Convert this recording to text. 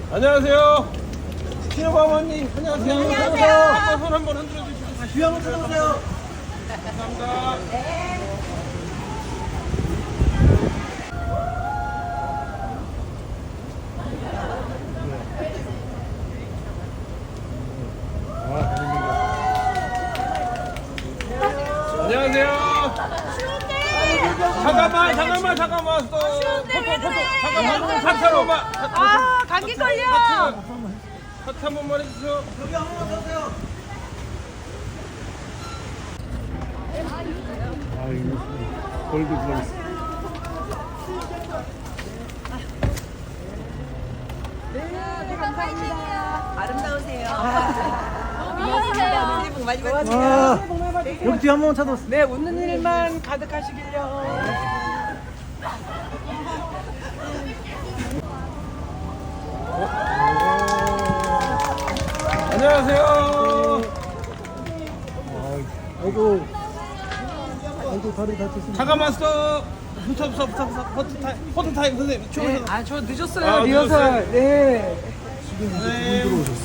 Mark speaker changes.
Speaker 1: 안녕하세요. 신여방어님 안녕하세요.
Speaker 2: 안녕하세요.
Speaker 1: 손 한번 흔들어 주시고
Speaker 2: 주위 한번 쳐다보세요.
Speaker 1: 감사합니다. 안녕하세요. 잠깐만 또 잠깐만 사차로만
Speaker 3: 아, 감기 걸려.
Speaker 1: 하트 한 번만 해주세요.
Speaker 2: 여기 한 번만 서세요.
Speaker 4: 골드 글라스.
Speaker 3: 네, 감사합니다. 아름다우세요.
Speaker 2: 안녕하세요.
Speaker 3: 새해 복 많이 받으세요.
Speaker 2: 여기 뒤에 한 번만 쳐다보세요.
Speaker 3: 네, 웃는 일만 가득하시길요.
Speaker 1: 안녕하세요.
Speaker 4: 아이고. 아이고, 다리 다쳤습니다.
Speaker 1: 잠깐만 스톱. 포토 타임 선생님.
Speaker 3: 네, 저 늦었어요.
Speaker 1: 아,
Speaker 3: 리허설.
Speaker 1: 늦었어요?
Speaker 3: 네.
Speaker 1: 네.